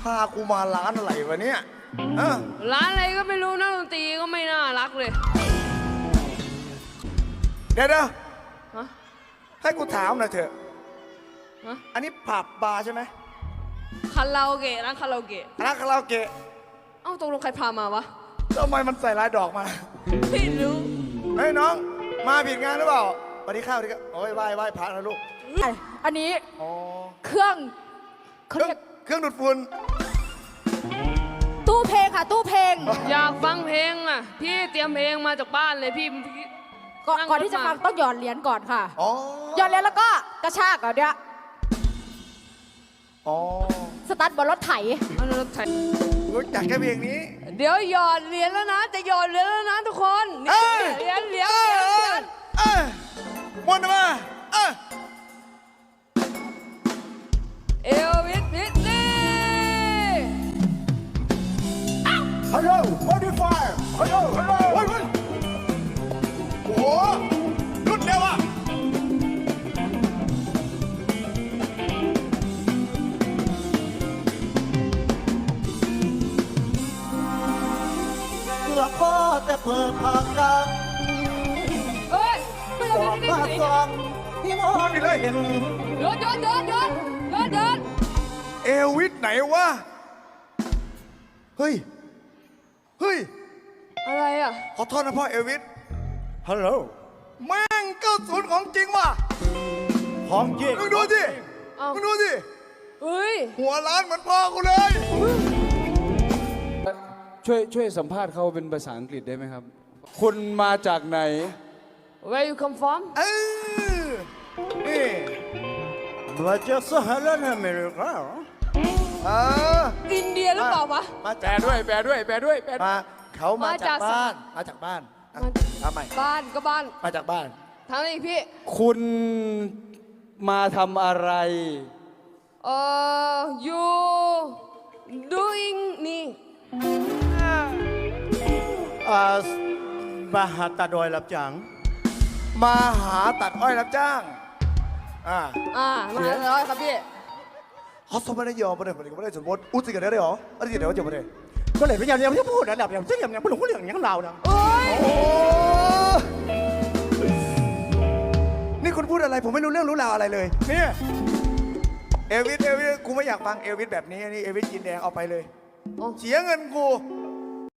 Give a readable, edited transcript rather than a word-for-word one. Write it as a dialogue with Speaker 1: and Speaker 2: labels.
Speaker 1: พากูมาร้านอะไรวะเนี่ย
Speaker 2: ร้านอะไรก็ไม่รู้นักดนตรีก็ไม่น่ารักเลย
Speaker 1: เดี๋ยว
Speaker 2: ฮะ
Speaker 1: ให้กูถามหน่อยเถอะ
Speaker 2: ฮะ
Speaker 1: อันนี้ผับบาร์ใช่ไหม
Speaker 2: คาราโอเกะร้านคาราโอเกะ
Speaker 1: ร้านคาราโอเกะ
Speaker 2: เอ้าตกลงใครพามาวะ
Speaker 1: ทำไมมันใส่ลายดอกมา
Speaker 2: ไม่รู้
Speaker 1: เฮ้ยน้องมาผิดงานหรือเปล่าสวัสดีครับสวัสดีครับโอ้ยไหว้พระนะลูก
Speaker 3: อันนี้เครื่องเขาเรียก
Speaker 1: เครื่องดูดฝุ่น
Speaker 3: ตู้เพลงค่ะตู้เพลง
Speaker 2: อยากฟังเพลงอ่ะพี่เตรียมเพลงมาจากบ้านเลยพี่
Speaker 3: ก่อนที่จะฟังต้องหยอดเหรียญก่อนค่ะหยอดเหรียญแล้วก็กระชากเดี๋ยวสตาร์ทบนรถไถ
Speaker 2: รถไถ
Speaker 1: รู้จักแค่เพลงนี้
Speaker 2: เดี๋ยวหยอดเหรียญแล้วนะจะหยอดเหรียญแล้วนะทุกคนเหรียญ
Speaker 1: วนมา
Speaker 2: เอลวิสพิตตี้
Speaker 1: ฮัลโหลmodifier ฮัลโหลโอ้โหรุ่นเดียวอ่ะ
Speaker 4: ละพ่อแต่เปิดปากกังบอกมาซองพี่มอง
Speaker 1: เลย
Speaker 2: เดิน
Speaker 1: เอลวิสไหนวะเฮ้ย
Speaker 2: อะไรอ่ะ
Speaker 1: ขอโทษนะพ่อเอลวิสฮัลโหลแม่ง90ของจริงว่ะ
Speaker 4: ของจริง
Speaker 1: มึงดูสิ
Speaker 2: เฮ้ย
Speaker 1: หัวล้านเหมือนพ่อกูเลย
Speaker 5: ช่วยสัมภาษณ์เขาเป็นภาษาอังกฤษได้ไหมครับคุณมาจากไหน
Speaker 2: Where you come from
Speaker 1: นี่
Speaker 4: มาจากสหรัฐอเมริกา
Speaker 2: อินเดียหรือเปล่าวะ
Speaker 5: แปลด้วย
Speaker 1: มาเขามาจากบ้านทำไม
Speaker 2: บ้านก็บ้าน
Speaker 1: มาจากบ้าน
Speaker 2: ทำอะไรพี่
Speaker 5: คุณมาทำอะไร
Speaker 2: you doing นี่
Speaker 4: มาหาตัดอ้อยรับจ้าง
Speaker 1: มาหาตัดอ้อยรับจ้าง
Speaker 2: มาตัดอ้อยครับพี่
Speaker 1: เขาสมบัติยอมไม่ได้สมมติอุติกันได้หรออะไรที่เดี๋ยวจะมาได้
Speaker 4: ก็เลยพยายามจะพูดนะแบบอย่างเช่นอย่างผู้หลงผู้เหลืองอย่างเรานะ
Speaker 1: นี่คุณพูดอะไรผมไม่รู้เรื่องรู้ราวอะไรเลยเนี่ยเอลวิสกูไม่อยากฟังเอลวิสแบบนี้นี่เอลวิสกินแดงเอาไปเลยเสียเงินกู